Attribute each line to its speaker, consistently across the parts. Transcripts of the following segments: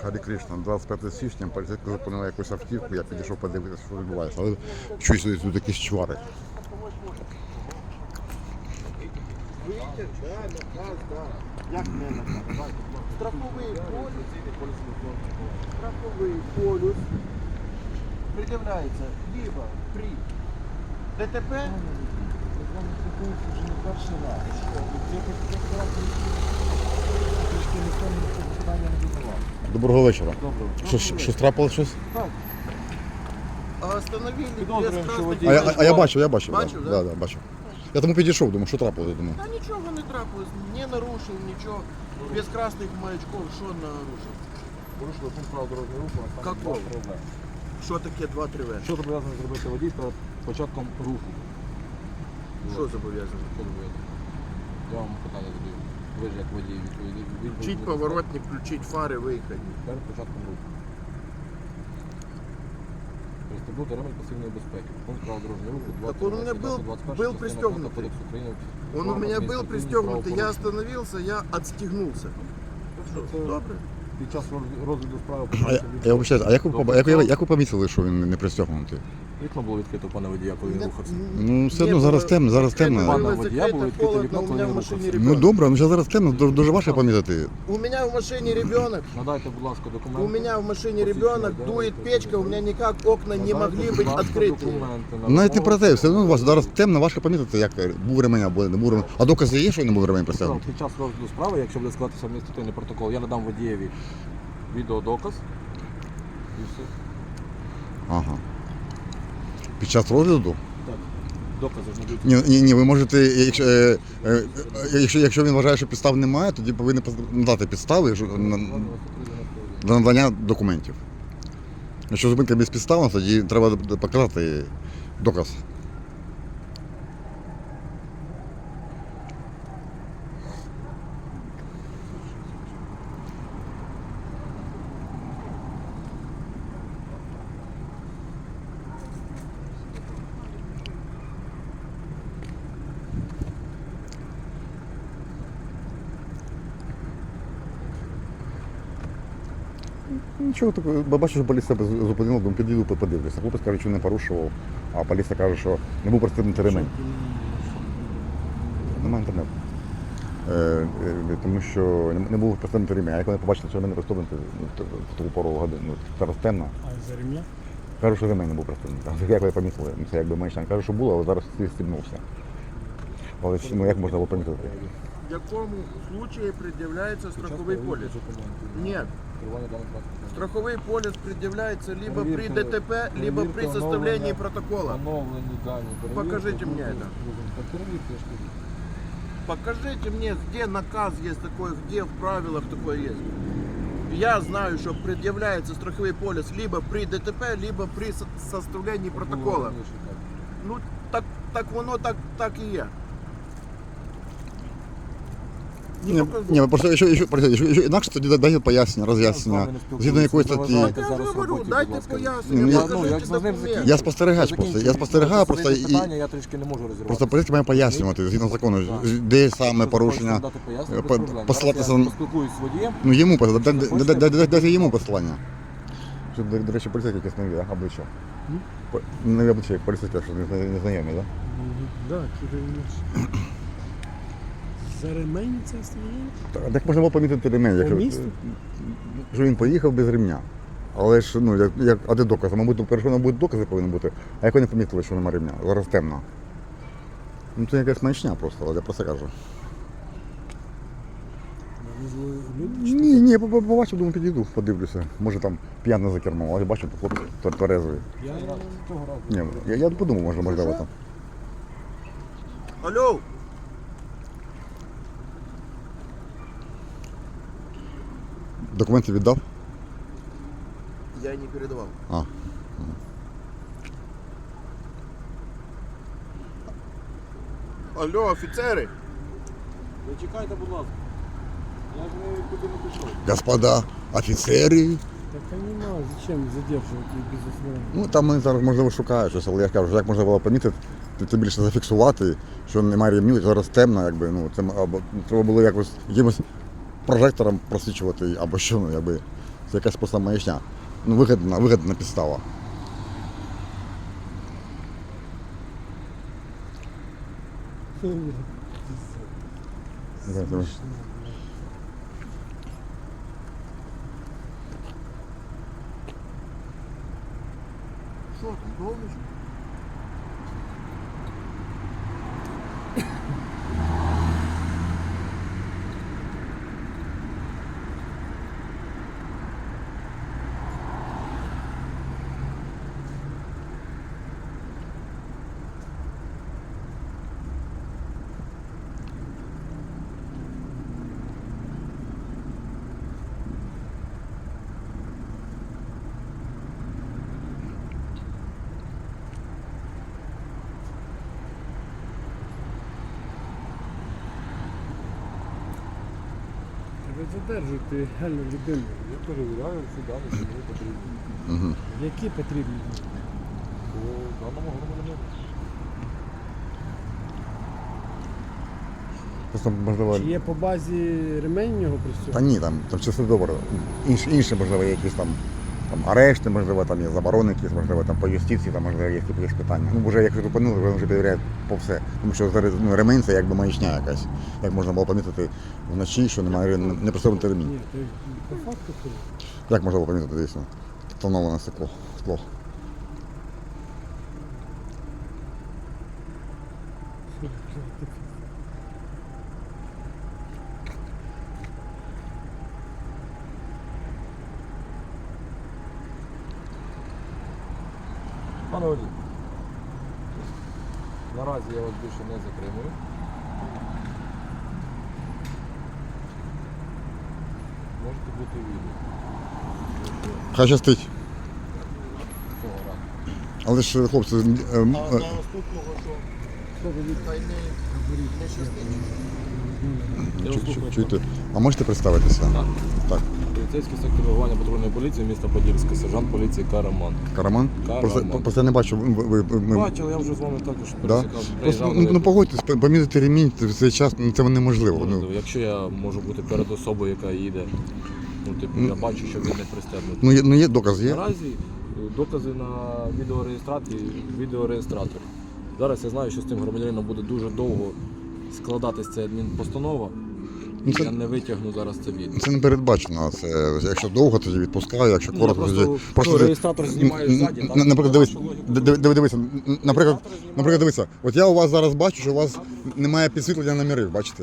Speaker 1: Харі Кришна, 25 січня, поліцейські зупинили якусь автівку, я підійшов подивитися, що відбувається. Але чуюсь, тут якісь чвари.
Speaker 2: Як не наказ? Страховий полюс пред'являється либо при ДТП.
Speaker 3: Вже не перший раз. Трішки ніхто мені питання не задавав.
Speaker 1: Доброго вечора.
Speaker 3: Доброго.
Speaker 1: Щось трапилось щось?
Speaker 3: Так.
Speaker 2: А остановили
Speaker 3: Підозрюємо,
Speaker 2: без
Speaker 3: що
Speaker 2: красних
Speaker 3: водій-
Speaker 1: А я бачив.
Speaker 2: Бачив,
Speaker 1: да? Да, бачив. Я тому підійшов, думаю, що трапилось, я думаю.
Speaker 2: Та нічого не трапилось, не нарушив нічого. Без красних маячков, що нарушив?
Speaker 3: Порушили пункт правил дорожнього руху, а саме
Speaker 2: Какого?
Speaker 3: 2-3В.
Speaker 2: Що таке 2-3 В?
Speaker 3: Що зобов'язаний зробити водій перед початком руху?
Speaker 2: Що зобов'язаний?
Speaker 3: Що зобов'язаний? Я вам питання задаю. Ви ж як водій відповіді.
Speaker 2: Включить поворотник, включить фари, виїхати.
Speaker 3: Перед початком руху. Пристебнути ремень пасивної безпеки. Пункт правил дорожнього руху.
Speaker 2: Так он у меня был пристегнутый. Он у меня был пристегнутый, я остановился, я отстегнулся. Добре?
Speaker 3: Під час розгляду справи
Speaker 1: Я вибачаюсь, а як ви помітили, що він не пристегнутий?
Speaker 3: вікно було відкрито, пане водія, коли він рухався.
Speaker 1: Ну, все одно зараз темно, зараз темно.
Speaker 3: Пане водія було відкрите
Speaker 2: холодно,
Speaker 3: вікно,
Speaker 2: у
Speaker 3: коли
Speaker 2: меня
Speaker 3: він
Speaker 2: в машине
Speaker 3: рухався.
Speaker 1: Ну
Speaker 2: ребенок.
Speaker 1: добре, ну зараз темно, дуже важко помітити.
Speaker 2: У меня в машине ребенок.
Speaker 3: Надайте, будь ласка, документи.
Speaker 2: У меня в машине ребенок, дует печка, у меня никак окна не могли быть открыты.
Speaker 1: Навіть не про те, все одно у вас зараз темно, важко помітити, як був ремень або не був ремень. А докази є, що не був ремень пристегнутий?
Speaker 3: Під час розгляду справи, якщо буде складатися адміністративний протокол, я надам водієві відеодоказ і все.
Speaker 1: Ага. Під час розгляду?
Speaker 3: Так, докази ж не будуть.
Speaker 1: Ні, ви можете, якщо він вважає, що підстав немає, тоді повинні надати підстави для надання документів. Якщо зупинка безпідставна, тоді треба показати доказ. Нічого такого, бачу, що поліція зупинила, думаю, підійду, подивлюся. Хлопець каже, що не порушував, а поліція каже, що не був пристебнутий ремень. Немає інтернету. Тому що не був пристебнутий ремень. А як вони побачили, що ремень не пристебнутий в таку пору годину, зараз темно.
Speaker 4: А за ремня?
Speaker 1: Кажу, що ремень не був пристебнутий. Як ви помітили, це якби менше. Кажу, що було, але зараз стібнувся. Але ну, як можна було помітити?
Speaker 2: В якому случае предъявляется страховой полис? Нет. Страховой полис предъявляется либо при ДТП, либо при составлении протокола. Покажите мне это. Покажите мне, где наказ есть такой, где в правилах такое есть. Я знаю, что предъявляется страховой полис либо при ДТП, либо при составлении протокола. Ну, так воно так и є.
Speaker 1: Ні, просто якщо інакше, тоді дайте пояснення, роз'яснення. Згідно якої статті.
Speaker 2: Я ж говорю, дайте пояснення, покажіть документ.
Speaker 1: Я спостерігач просто. Я спостерігаю просто і
Speaker 3: Я трішки не можу розірвати.
Speaker 1: просто поліція має пояснювати згідно закону, де саме порушення. Посилатися на
Speaker 3: Поспілкуюсь з водієм.
Speaker 1: ну йому дайте йому посилання. Що, до речі, поліцейські якісь нові, так? Обличчя. Нові обличчя, як поліцейські, що не знайомі, так?
Speaker 4: Да, кидаєш. За ремень це стоїть?
Speaker 1: Так можна було помітити ремень, якщо
Speaker 4: місту?
Speaker 1: що він поїхав без ремня. Але ж, ну, а де докази? Мабуть, перше, мабуть, докази повинні бути, а як вони помітили, що немає ремня? Зараз темно. Ну це якась маячня просто, але я про це кажу. Ні, побачив, думаю, підійду, подивлюся. Може там п'яний за кермом, але бачу, то хлопець тверезий.
Speaker 3: Я цього разу.
Speaker 1: Ні, я подумав, можливо там.
Speaker 2: Алло!
Speaker 1: Документи віддав?
Speaker 2: Я не передавал.
Speaker 1: А.
Speaker 2: Алло, офіцери!
Speaker 3: Ви чекайте, будь ласка. Я ж нікуди не пішов.
Speaker 1: Господа офіцери.
Speaker 4: Так понимаю, зачем задерживать их без основания?
Speaker 1: Ну там вони зараз можливо шукають щось, але я кажу, як можна було помітити, це більше зафіксувати, що немає ремню, зараз темно, якби, ну, це, або треба було якось якимось прожектором просвічувати, або що, ну, якби, Це якась просто маячня. Ну, вигідна підстава.
Speaker 2: Що там, довничка?
Speaker 4: Ви задержуєте реально людину.
Speaker 3: Я перевіряю всі дані, що мені потрібні.
Speaker 1: Угу.
Speaker 4: Які потрібні?
Speaker 3: По даному громадянину.
Speaker 1: Просто можливо.
Speaker 4: Чи є по базі ремень його при
Speaker 1: Та
Speaker 4: цьому?
Speaker 1: ні, там все добре. Інші, можливо, якісь там арешти, можливо, там є заборони якісь, можливо, там по юстиції, там, можливо, є якісь питання. Ну, вже як зупинили, вони вже перевіряють по все. Тому що ну, ремень це якби маячня якась. Як можна було помітити вночі, що немає не пристебнутий ремінь.
Speaker 4: Ні, то по факту то.
Speaker 1: Як можна було помітити, дійсно? Встановлене скло.
Speaker 3: Пане водій, наразі я вас більше не затримую. Можете бути відео.
Speaker 1: Хай щастить.
Speaker 3: Цього разу.
Speaker 1: Але ж, хлопці,
Speaker 2: А на наступного що? Хай не щастить.
Speaker 3: Я вас слухаю.
Speaker 1: чуєте? А можете представитися?
Speaker 3: Так.
Speaker 1: Так.
Speaker 3: Поліцейський сектор реагування патрульної поліції міста Подільська, сержант поліції Караман.
Speaker 1: Караман?
Speaker 3: Караман.
Speaker 1: Просто я не бачу. ми-
Speaker 3: Бачили, я вже з вами також
Speaker 1: Да?
Speaker 3: пересікав.
Speaker 1: Просто,
Speaker 3: приїжджав на
Speaker 1: ну
Speaker 3: виклик.
Speaker 1: погодьтесь, помітити ремінь в цей час це неможливо. Ну,
Speaker 3: Можливо, якщо я можу бути перед особою, яка їде, ну типу, я бачу, що він не пристебнутий.
Speaker 1: є доказ, є?
Speaker 3: Наразі докази на відеореєстраторі. Зараз я знаю, що з цим громадянином буде дуже довго складатись ця адмінпостанова.
Speaker 1: Ну,
Speaker 3: І
Speaker 1: це-
Speaker 3: я не витягну зараз це відео.
Speaker 1: Це не передбачено. Це, якщо довго, тоді відпускаю, якщо
Speaker 3: Ну,
Speaker 1: коротко,
Speaker 3: я
Speaker 1: тоді.
Speaker 3: просто реєстратор знімаю ззаді. там
Speaker 1: Наприклад, дивись,
Speaker 3: вашу логіку.
Speaker 1: дивися, наприклад,
Speaker 3: Реєстратор знімаю.
Speaker 1: дивися, от я у вас зараз бачу, що у вас немає підсвітлення номерів, бачите?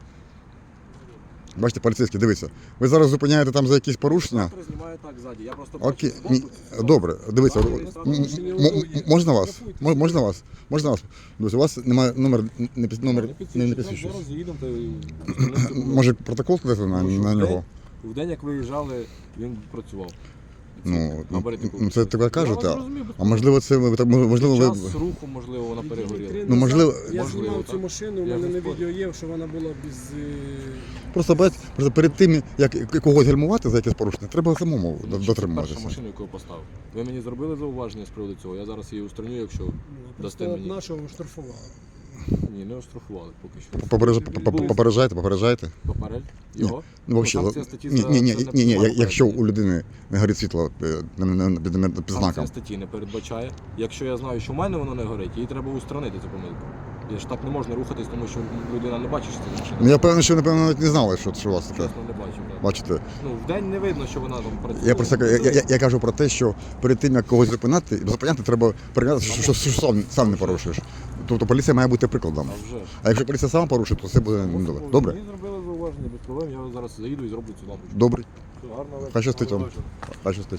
Speaker 1: Бачите, поліцейські, дивіться. Ви зараз зупиняєте там за якісь порушення.
Speaker 3: Реєстратор знімаю так ззаді. Я просто
Speaker 1: Окей,
Speaker 3: бачу
Speaker 1: ні,
Speaker 3: збоку,
Speaker 1: добре, дивіться,
Speaker 3: Реєстратор
Speaker 1: можна вас? Можна вас? Можна вас? Дивіться, у вас немає номер, не підсвічує.
Speaker 3: Зараз їдемо, та
Speaker 1: Може протокол складати на нього?
Speaker 3: В день, як виїжджали, він працював.
Speaker 1: Ну,
Speaker 3: Габарити
Speaker 1: це таке кажете,
Speaker 3: Я вас розумію,
Speaker 1: а можливо це можливо ви.
Speaker 3: Час руху, можливо, вона перегоріла.
Speaker 1: Ну, можливо-
Speaker 4: Я
Speaker 3: Можливо,
Speaker 4: знімав
Speaker 3: так.
Speaker 4: цю машину, у
Speaker 3: Я
Speaker 4: мене на
Speaker 3: ж
Speaker 4: відео є, що вона була без...
Speaker 1: Просто перед тим, як когось гальмувати за якесь порушення, треба самому
Speaker 3: Перша
Speaker 1: дотримуватися.
Speaker 3: машина, яку я поставив. Ви мені зробили зауваження з приводу цього, я зараз її устраню, якщо дасте
Speaker 4: Просто
Speaker 3: мені.
Speaker 4: нашого штрафували.
Speaker 3: Ні, не оштрафували поки що.
Speaker 1: Попереджайте.
Speaker 3: Попередь його?
Speaker 1: Ну, взагалі,
Speaker 3: санкція статті
Speaker 1: ні,
Speaker 3: за
Speaker 1: ні, ні,
Speaker 3: це не
Speaker 1: ні, ні,
Speaker 3: приймає
Speaker 1: якщо
Speaker 3: попередження.
Speaker 1: у людини не горить світло під знаком.
Speaker 3: Санкція статті не передбачає. Якщо я знаю, що в мене воно не горить, її треба устранити цю помилку. Я ж так не можна рухатись, тому що людина не бачить, що це машина.
Speaker 1: Ну я певний, що напевно навіть не знали, що у вас таке.
Speaker 3: Чесно, не бачив. Так.
Speaker 1: Бачите,
Speaker 3: Ну, в день не видно, що вона там працює.
Speaker 1: я просто я кажу про те, що перед тим як когось зупиняти, треба перевіряти, що сам не порушуєш. Тобто поліція має бути прикладом.
Speaker 3: А вже ж.
Speaker 1: А якщо поліція сама порушить, то це буде недобре. Добре?
Speaker 3: Мені зробили зауваження без проблем, я зараз заїду і зроблю цю лампочку.
Speaker 1: Добре.
Speaker 3: Все, гарного вечора.
Speaker 1: Хай щастить вам.
Speaker 3: Гарного вечора.
Speaker 1: Хай щастить.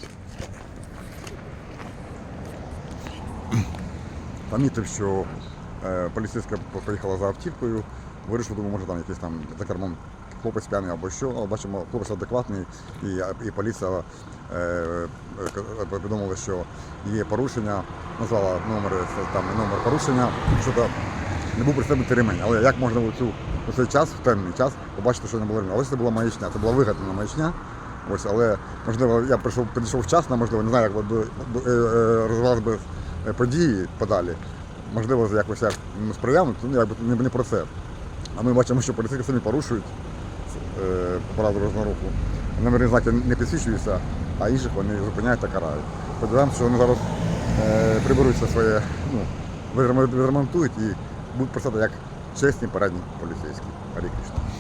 Speaker 1: Помітив, що поліцейська поїхала за автівкою, вирішив, думаю, може там якийсь там за кермом хлопець п'яний або що, але бачимо, хлопець адекватний, і поліція повідомила, що є порушення, назвала номер порушення, що не був пристебнутий ремень. Але як можна у цей час, в темний час, побачити, що не було ремня? Але це була маячня, це була вигадана маячня. Ось, але можливо я підійшов вчасно, можливо, не знаю, як розвивалися б події подалі. Можливо, якось я сприяв, ну, не про це. А ми бачимо, що поліцейські самі порушують правила дорожнього руху. номерні знаки не підсвічуються, а інших вони зупиняють та карають. Сподіваємося, що вони зараз приберуться своє, відремонтують і будуть працювати як чесні передні поліцейські. Гарі Кришна.